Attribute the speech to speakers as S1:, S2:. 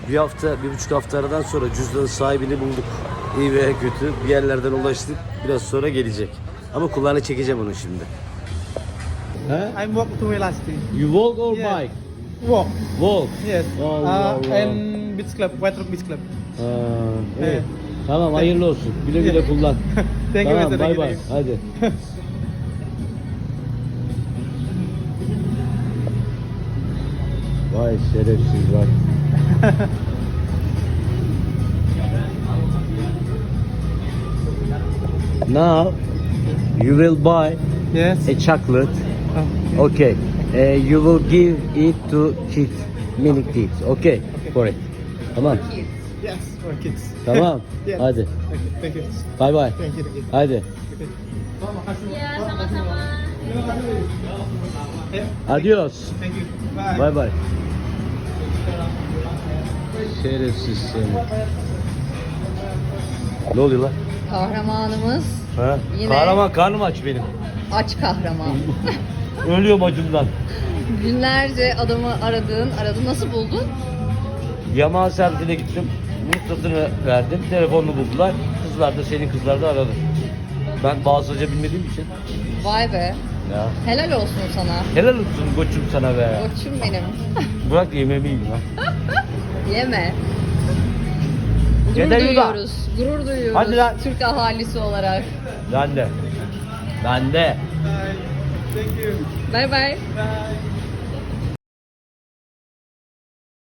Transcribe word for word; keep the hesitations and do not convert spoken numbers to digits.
S1: Bir hafta, bir buçuk hafta aradan sonra cüzdanın sahibini bulduk. İyi veya kötü bir yerlerden ulaştık. Biraz sonra gelecek. Ama kulağını çekeceğim onu şimdi. He?
S2: I'm walk to Elastic.
S1: You walk or
S2: Yeah.
S1: bike?
S2: Walk.
S1: Walk.
S2: Yes.
S1: Allah
S2: uh,
S1: Allah.
S2: And beach club, White Rock Beach Club.
S1: Ha, iyi.
S2: Evet.
S1: Tamam hayırlı olsun. Güle güle kullan.
S2: Thank you,
S1: Tamam
S2: Mister
S1: bay
S2: Thank
S1: bay.
S2: you.
S1: Hadi. Vay şerefsiz var. Now you will buy
S2: Yes.
S1: a chocolate.
S2: Oh.
S1: Okay. Uh, you will give it to kids, mini kids. Okay. For it. Tamam.
S2: Yes, for kids.
S1: Tamam.
S2: Yes.
S1: Hadi.
S2: Okay, thank you.
S1: Bay bay.
S2: Thank you, thank you.
S1: Hadi.
S2: Okay.
S3: Ya, sama-sama.
S2: Yeah,
S1: Adios.
S2: thank you. Bye.
S1: Bay bay. Şerefsiz seni. Ne oluyor lan?
S3: Kahramanımız
S1: Ha?
S3: Yine-
S1: Kahraman karnım aç benim.
S3: aç kahraman.
S1: Ölüyorum acımdan.
S3: Günlerce adamı aradın, aradın. Nasıl buldun?
S1: Yamaha servisine gittim. Numarasını verdim. Telefonunu buldular. Kızlar da senin kızlar da aradı. Ben Bağızlıca bilmediğim için.
S3: Vay be.
S1: Ya.
S3: Helal olsun sana.
S1: Helal olsun koçum sana be.
S3: Koçum benim.
S1: Bırak yemeğimi yiyeyim ha.
S3: Yeme. Gurur
S1: Yeter yuda.
S3: duyuyoruz. Gurur duyuyoruz.
S1: Hadi lan.
S3: Türk ahalisi olarak.
S1: Ben de. Ben de.
S2: Bye. Thank you.
S3: Bay bay.
S2: Bye.